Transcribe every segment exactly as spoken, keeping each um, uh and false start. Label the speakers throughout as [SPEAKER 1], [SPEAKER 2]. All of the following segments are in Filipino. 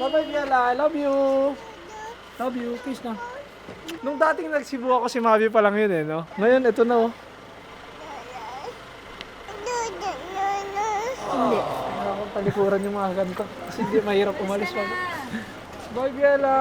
[SPEAKER 1] Bye-bye, Biala. I love you. Love you. Peace na. Nung dating nagsibu ako, si Mavi pa lang yun eh, no? Ngayon, ito na, oh. Hindi. Kailangan kong talikuran yung mga ganito. Kasi hindi mahirap umalis pa. Bye, Biala.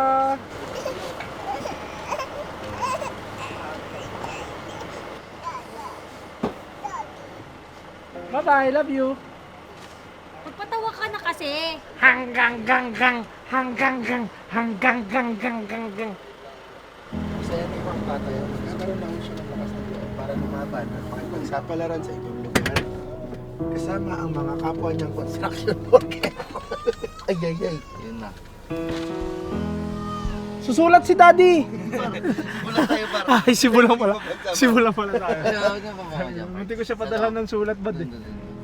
[SPEAKER 1] Bye-bye. Love you.
[SPEAKER 2] Magpatawa ka na kasi.
[SPEAKER 1] Hanggang gang gang. Hanggang gang. Hanggang gang gang gang gang.
[SPEAKER 3] Masaya na ibang bata yun. Nagkaroon lang siya ng lakas ng loob para lumaban at makipagsapalaran sa ibang lugar. Kasama ang mga kapwa niyang construction worker. Ay, ay, ay. Yun na.
[SPEAKER 1] Susulat si Daddy!
[SPEAKER 3] Wala tayo para.
[SPEAKER 1] Ay, simulan pala. Simulan pala tayo.
[SPEAKER 3] Ayaw niya pa mga dyan.
[SPEAKER 1] Hindi ko siya padala ng sulat bad eh.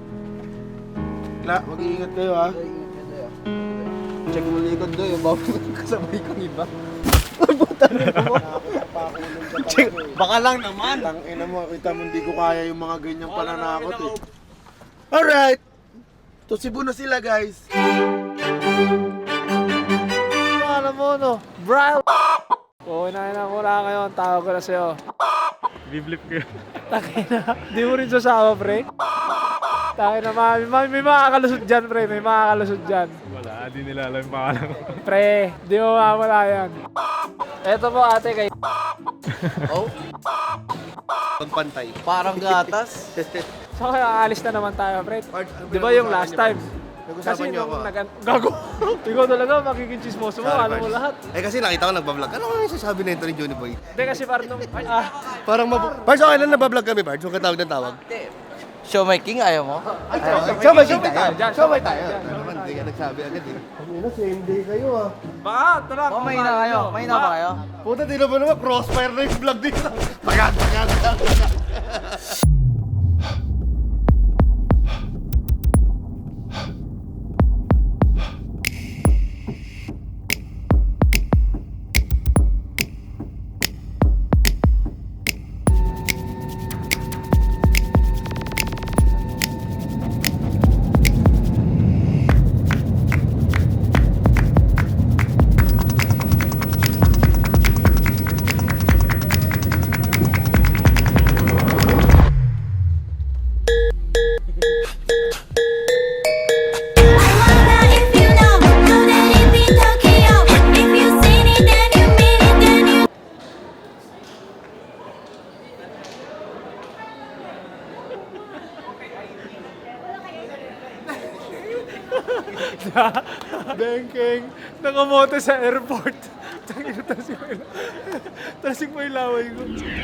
[SPEAKER 3] La, mag-iingat kayo ha. Check mo likod doon, yung bawal kasabay kang iba. Puta na mo. Check, baka lang naman. Tangina mo, kita mo hindi ko kaya yung mga ganyang pananakot eh. Alright! Tusibo na sila guys.
[SPEAKER 1] Alam mo no, bro! Oo, inahin na ko na ngayon. Tawag ko na sa'yo. Biblip ko yun. Takina. Di mo rin sasama, pre. Takina, mami. Mami, may makakalusot dyan, pre. May makakalusot dyan.
[SPEAKER 4] Wala, di nila alam yung pangalan ko.
[SPEAKER 1] Pre, di mo mawala yan. Eto po, ate, kay...
[SPEAKER 3] Oh? Pagpantay. Parang gatas.
[SPEAKER 1] So, kaya aalis na naman tayo, pre. Di ba yung last time?
[SPEAKER 3] Nag-usapan niyo ako.
[SPEAKER 1] nung nag- Gago. Ikaw talaga, magiging chismoso mo. Alam mo lahat.
[SPEAKER 3] Eh kasi nakita ko nagbablog. Ano nga yung sasabi na ito ni Johnny Boy?
[SPEAKER 1] Hindi kasi parang nung... Ah,
[SPEAKER 3] Parang mabu... Pards, okay lang nagbablog kami, Pards. Yung katawag ng tawag.
[SPEAKER 5] Show my king, ayaw mo?
[SPEAKER 3] Show my king
[SPEAKER 1] tayo.
[SPEAKER 3] tayo. Show my tayo. Naman, hindi ka nagsabi agad eh. Ano, same day kayo ah.
[SPEAKER 1] baka, tara.
[SPEAKER 5] Oh, may na kayo. May na ba kayo?
[SPEAKER 3] Puta, di na ba naman crossfire na yung vlog dito? Tagad, tagad, tagad.
[SPEAKER 1] Bengkeng, nakamoto sa airport. Tangina, tasik mo yung... tasik mo yung laway ko.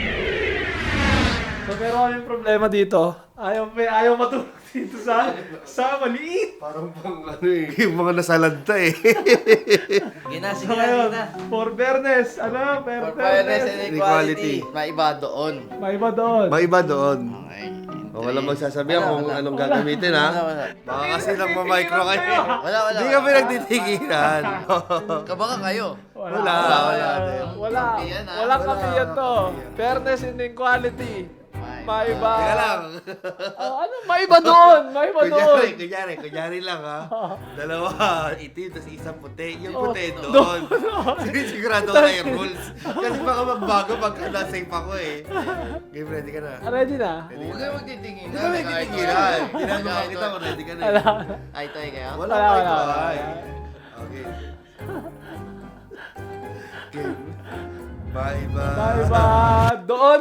[SPEAKER 1] So, pero ano yung problema dito? Ayaw, may, ayaw matulog dito sa, sa maliit.
[SPEAKER 3] Parang pang ano eh, yung mga nasalanta eh.
[SPEAKER 5] Gina,
[SPEAKER 1] So,
[SPEAKER 5] sige na,
[SPEAKER 1] ngayon,
[SPEAKER 5] sige na.
[SPEAKER 1] for fairness, ano? For
[SPEAKER 5] For fairness and
[SPEAKER 1] fairness.
[SPEAKER 5] equality. May iba doon.
[SPEAKER 1] May iba doon.
[SPEAKER 3] May iba doon.
[SPEAKER 5] Okay.
[SPEAKER 3] O, walang magsasabihan
[SPEAKER 5] Wala,
[SPEAKER 3] kung
[SPEAKER 5] wala.
[SPEAKER 3] anong gagamitin ha.
[SPEAKER 5] Wala, wala.
[SPEAKER 3] Baka kasi lang ma-micro kayo.
[SPEAKER 5] Wala, wala.
[SPEAKER 3] Hindi kami nagtitigilan.
[SPEAKER 5] Kabaka kayo.
[SPEAKER 1] Wala.
[SPEAKER 3] Wala.
[SPEAKER 1] Wala.
[SPEAKER 3] Wala.
[SPEAKER 1] Wala.
[SPEAKER 5] Kampi yan, ah.
[SPEAKER 1] Walang
[SPEAKER 3] Wala.
[SPEAKER 1] kampi yan to. Fairness and equality. May iba.
[SPEAKER 3] Teka lang.
[SPEAKER 1] Oh, ano? May iba doon. May iba doon.
[SPEAKER 3] Kunyari, kunyari, kunyari lang ha. Dalawa, itim, tapos isang puti. Yung
[SPEAKER 1] Oh,
[SPEAKER 3] puti
[SPEAKER 1] doon.
[SPEAKER 3] doon. Sinisigurado ko na yung rules. Kasi baka magbago pagka na-safe ako eh. Game, ready ka na?
[SPEAKER 1] Ah, ready na?
[SPEAKER 5] Huwag kayo magtitingin.
[SPEAKER 3] Hindi kami titigilan. Ginagawa kita kung ready ka na eh.
[SPEAKER 1] Wala.
[SPEAKER 5] Ay, tayo kayo?
[SPEAKER 3] Wala
[SPEAKER 1] Wala,
[SPEAKER 3] ka
[SPEAKER 1] wala,
[SPEAKER 3] ito
[SPEAKER 1] wala.
[SPEAKER 3] ay. Okay. Game. Bye bye.
[SPEAKER 1] May iba doon.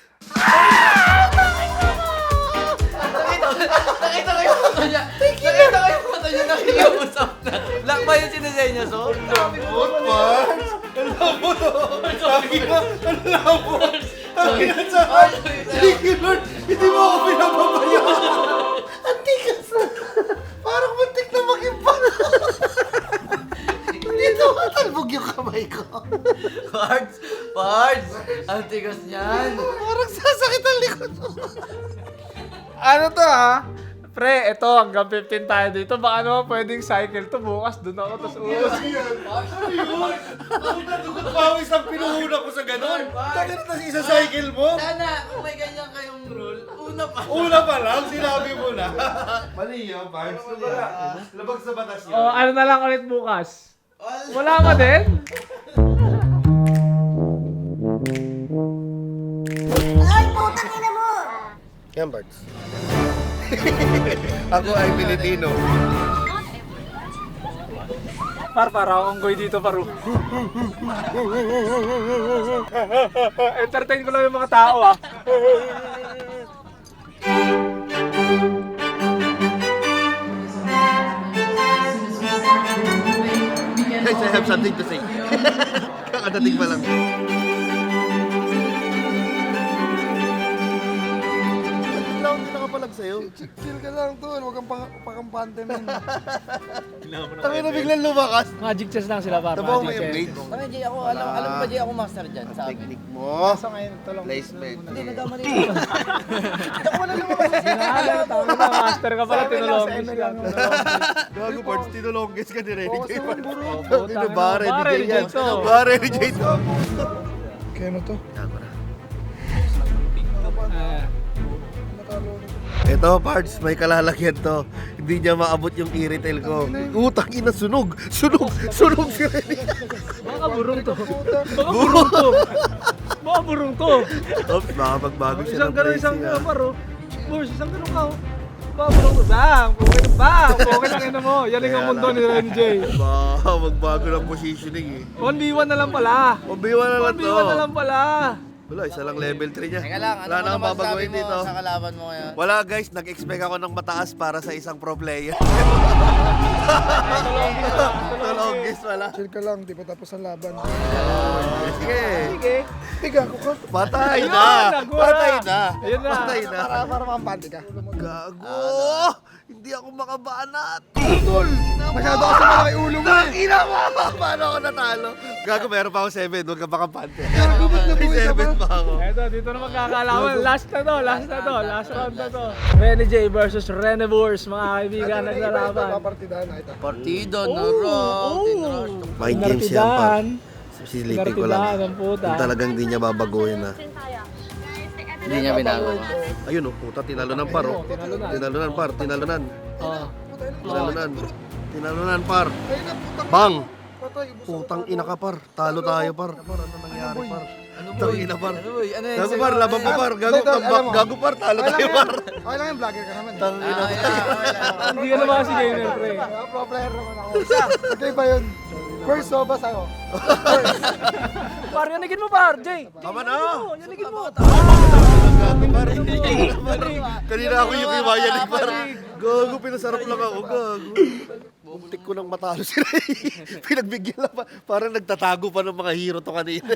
[SPEAKER 5] Nakita ko yung mata niya. Nakita ko yung mata niya. Nakikiusap na. Black ba yung sinasenyo, so?
[SPEAKER 3] Lambot, Mars! Ang lambot, oh! Sabi na, ang lambot! Sabi na sa akin, thank you, Lord! Hindi mo ako pinapabayaan! Ang tigas na! Parang muntik na mag-imbang! Dito, matalbog yung kamay ko!
[SPEAKER 5] Pards! Pards! Ang tigas niyan.
[SPEAKER 3] Parang sasakit ang likod mo!
[SPEAKER 1] Ano to ha? Pre, ito hanggang fifteen tayo dito. Baka naman pwedeng cycle to bukas. Doon ako, tapos uus.
[SPEAKER 3] Ang natugot pawis ang pinuhuna ko sa ganun! Takit na isa cycle mo!
[SPEAKER 5] Sana, kung may ganyan kayong rule, una pa.
[SPEAKER 3] Una pa lang, sinabi mo na. Mali yun, Pars. Labag sa batas yun.
[SPEAKER 1] O, ano na lang ulit bukas? Wala ka din?
[SPEAKER 3] Yan, Bards. Ako ay Pilipino.
[SPEAKER 1] Par, para onggoy dito, paru. Entertain ko lang yung mga tao, ah.
[SPEAKER 3] Guys, I have something to say. Kakadating pa lang. Bigla akong nakapalag sa'yo.
[SPEAKER 6] Chill ka lang, tol. Huwag kang pa- pakampante, men.
[SPEAKER 3] Kami na biglang lumakas.
[SPEAKER 1] Magic chess lang sila, par.
[SPEAKER 3] Tabaw mo
[SPEAKER 1] Magic
[SPEAKER 3] yung
[SPEAKER 1] chess.
[SPEAKER 3] blades.
[SPEAKER 5] Kami, Jay, ako, alam, alam mo ba, Jay, ako master dyan sa amin.
[SPEAKER 3] Technique mo.
[SPEAKER 6] Sa ngayon, tolong.
[SPEAKER 3] Placement.
[SPEAKER 5] Hindi, nagkamali ko. Ako wala lumakas sa
[SPEAKER 1] Sinala, tama na, master ka pala, tinulongis lang.
[SPEAKER 3] Gago, Bards, tinulongges ka ni Renny J. Bards.
[SPEAKER 1] Puta,
[SPEAKER 3] Dito, bare ni
[SPEAKER 1] bare
[SPEAKER 3] Jay
[SPEAKER 1] ni
[SPEAKER 3] yan.
[SPEAKER 1] Jay to.
[SPEAKER 3] Bare ni Jay to.
[SPEAKER 6] Kaya ano to?
[SPEAKER 1] Ah.
[SPEAKER 3] Ito, Pards, may kalalagyan to. Hindi niya maabot yung e-retail ko. Utang ina, sunog! Sunog! Sunog si Renny!
[SPEAKER 1] Baka burong to. Baka burong to. Baka burong to.
[SPEAKER 3] Oops, baka magbago siya
[SPEAKER 1] Isang
[SPEAKER 3] ng
[SPEAKER 1] gano'n,
[SPEAKER 3] pricing,
[SPEAKER 1] isang
[SPEAKER 3] ah.
[SPEAKER 1] gano'n, paro. Boss, isang gano'n ka. Baka burong to. Bang! Okay na bang! Okay lang ina mo. Yan ang mundo ni Renny J.
[SPEAKER 3] Baka magbago ng positioning eh.
[SPEAKER 1] one v one na lang pala.
[SPEAKER 3] Mabiwa na lang
[SPEAKER 1] one v
[SPEAKER 3] to.
[SPEAKER 1] one na lang pala.
[SPEAKER 3] Wala, isa lang level three niya.
[SPEAKER 5] Teka lang, ano
[SPEAKER 3] Wala
[SPEAKER 5] mo
[SPEAKER 3] na akong
[SPEAKER 5] naman sabi
[SPEAKER 3] babaguhin
[SPEAKER 5] mo
[SPEAKER 3] dito.
[SPEAKER 5] sa kalaban mo ngayon?
[SPEAKER 3] Wala guys, nag-expect ako ng mataas para sa isang pro player. Tulogis wala.
[SPEAKER 6] Chill ka lang, di pa tapos ang laban.
[SPEAKER 3] Sige.
[SPEAKER 1] Sige.
[SPEAKER 6] Tiga ko ka.
[SPEAKER 3] Patay
[SPEAKER 1] Ayun,
[SPEAKER 3] na.
[SPEAKER 1] nagura.
[SPEAKER 3] Patay na.
[SPEAKER 1] Ayun na.
[SPEAKER 3] Patay na.
[SPEAKER 6] Para, para makampante ka.
[SPEAKER 3] Gago. Hindi ako makabanat.
[SPEAKER 6] Tol! Masyado kasi malaki ulo mo.
[SPEAKER 3] Nakina mo! Paano ako natalo? Gago, meron pa ako seven. Huwag ka makampante.
[SPEAKER 6] Gago, ba't
[SPEAKER 3] May
[SPEAKER 6] nabuhay ka
[SPEAKER 3] seven
[SPEAKER 6] pa?
[SPEAKER 3] pa ako.
[SPEAKER 1] Eto, dito na magkakalaman. Last na to, last na to, last round na to. Renny J versus Renevors, mga kaibigan, naglalaban.
[SPEAKER 6] Papartidahan na ito.
[SPEAKER 5] Partido,
[SPEAKER 1] Oh,
[SPEAKER 5] narush,
[SPEAKER 1] oh.
[SPEAKER 3] Mind games yan, par.
[SPEAKER 1] Nartidahan.
[SPEAKER 3] Silipin ko
[SPEAKER 1] Nartidahan
[SPEAKER 3] lang.
[SPEAKER 1] ang puta.
[SPEAKER 3] Kung talagang di niya babaguhin na.
[SPEAKER 5] Hindi niya binago.
[SPEAKER 3] Ayun oh, puta, tinalunan par oh.
[SPEAKER 1] Tinalunan.
[SPEAKER 3] Tinalunan par, tinalunan.
[SPEAKER 1] Oh.
[SPEAKER 3] Tinalunan. Tinalunan par. Bang!
[SPEAKER 6] Patay, ubos.
[SPEAKER 3] Putang ina ka par. Talo tayo par. Ano nangyari par?
[SPEAKER 5] Ano
[SPEAKER 3] Tang ina par.
[SPEAKER 5] Ano boy? Ano yan?
[SPEAKER 3] Gago par, laban pa par. Gago,
[SPEAKER 6] Tol, alam mo.
[SPEAKER 3] gago par, talo
[SPEAKER 6] Okay lang
[SPEAKER 3] tayo
[SPEAKER 6] yan.
[SPEAKER 3] par.
[SPEAKER 6] Okay lang yan, vlogger ka naman.
[SPEAKER 3] Tang ina.
[SPEAKER 5] Ah, yeah, okay lang.
[SPEAKER 1] Hindi ka naman si gamer, pre.
[SPEAKER 6] Ah, pro player naman ako. Isa, okay ba yun? First soba sa'yo.
[SPEAKER 1] Par, yanigin mo, par, Jay.
[SPEAKER 3] Tama na.
[SPEAKER 1] Yanigin mo.
[SPEAKER 3] Gago par. Kanina ako yung iwayan ni par. Gago, pinasarap lang ako. Gago. Muntik ko nang matalo si Ray. Pinagbigyan lang pa. Parang nagtatago pa ng mga hero to kanina.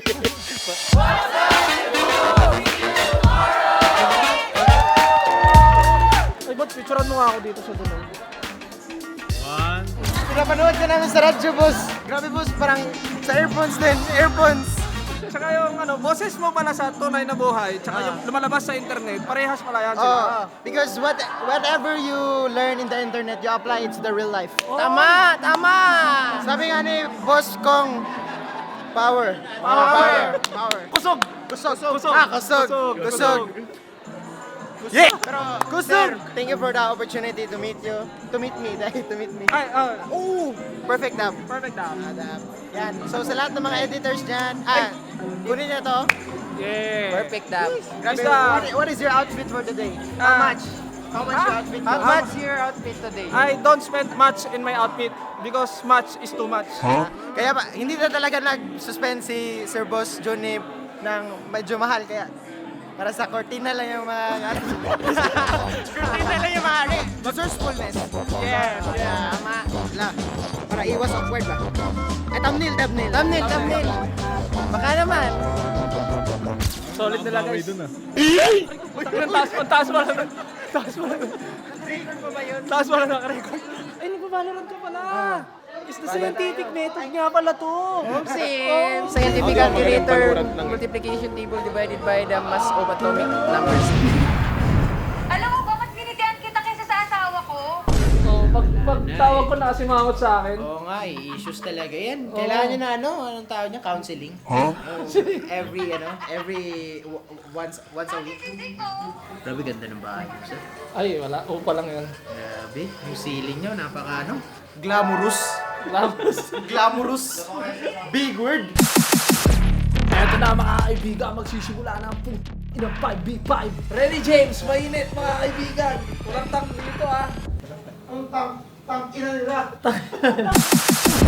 [SPEAKER 1] Ay, ba't picturean mo nga ako dito sa dulo?
[SPEAKER 4] One.
[SPEAKER 6] Pinapanood ka namin sa radyo, boss. Grabe, boss. Parang sa earphones din. Earphones.
[SPEAKER 1] Saka yung ano, boses mo pala sa tunay na buhay, tsaka yung lumalabas sa internet, parehas pala yan sila.
[SPEAKER 7] Oh, because what whatever you learn in the internet, you apply it to the real life.
[SPEAKER 5] Tama! Tama!
[SPEAKER 7] Sabi nga ni Boss Kong, power.
[SPEAKER 1] Power!
[SPEAKER 7] Power.
[SPEAKER 1] Kusog!
[SPEAKER 7] Kusog.
[SPEAKER 1] Kusog!
[SPEAKER 7] Ah, kusog.
[SPEAKER 1] Kusog!
[SPEAKER 7] Kusog.
[SPEAKER 1] Yeah!
[SPEAKER 7] Pero, sir, thank you for the opportunity to meet you. To meet me, dahil to meet me.
[SPEAKER 1] Ay, ah,
[SPEAKER 7] Ooh, perfect dab.
[SPEAKER 1] perfect ah.
[SPEAKER 7] Ah, dab. Yan. So, sa lahat ng mga editors dyan, ah, kunin niyo to.
[SPEAKER 1] Yeah!
[SPEAKER 5] Perfect dab.
[SPEAKER 7] Grabe,
[SPEAKER 1] Basta-
[SPEAKER 7] what, what is your outfit for today? How
[SPEAKER 1] Ah.
[SPEAKER 7] much? How much
[SPEAKER 1] Ah.
[SPEAKER 7] your outfit?
[SPEAKER 5] How
[SPEAKER 7] How much?
[SPEAKER 5] much your outfit today?
[SPEAKER 1] I don't spend much in my outfit because much is too much.
[SPEAKER 7] Kaya ba, hindi na talaga nag-suspend si Sir Boss Johnny ng medyo mahal. Kaya para sa cortina lang yung mga... cortina lang yung mga resourcefulness.
[SPEAKER 1] Yes,
[SPEAKER 7] Yeah, tama. Wala. Para iwas awkward ba? Eh, thumbnail, thumbnail. Thumbnail, thumbnail. Baka naman.
[SPEAKER 1] Solid nila guys.
[SPEAKER 4] Dun ah.
[SPEAKER 1] Ang taas mo, taas mo lang. Taas mo lang.
[SPEAKER 7] Record pa ba yun?
[SPEAKER 1] Taas mo lang nakarecord. Ay, nagbabalorant ka pala. Is the scientific method nga pala to.
[SPEAKER 5] Sim, scientific calculator, multiplication table divided by the mass of atomic numbers.
[SPEAKER 2] Alam mo ba, mas binitihan kita kaysa sa asawa ko?
[SPEAKER 1] Oh, pag, pag tawag ko na kasi mangot sa akin.
[SPEAKER 5] Oo nga, eh, issues talaga yan. Kailangan niya na ano, anong tawag niya? Counseling. Every, ano, every w- once once a week.
[SPEAKER 2] Hindi ko.
[SPEAKER 5] Grabe, ganda ng bahay mo, sir.
[SPEAKER 1] Ay, wala. Upa lang yan.
[SPEAKER 5] Grabe, yung ceiling niyo, napaka ano.
[SPEAKER 7] Glamorous.
[SPEAKER 1] Glamorous.
[SPEAKER 7] Glamorous. Big word.
[SPEAKER 1] Eto na mga kaibigan, magsisimula na ang pung inang five v five. Ready James, mainit mga kaibigan. Walang tang dito ah.
[SPEAKER 7] Ang tang, tang ina nila.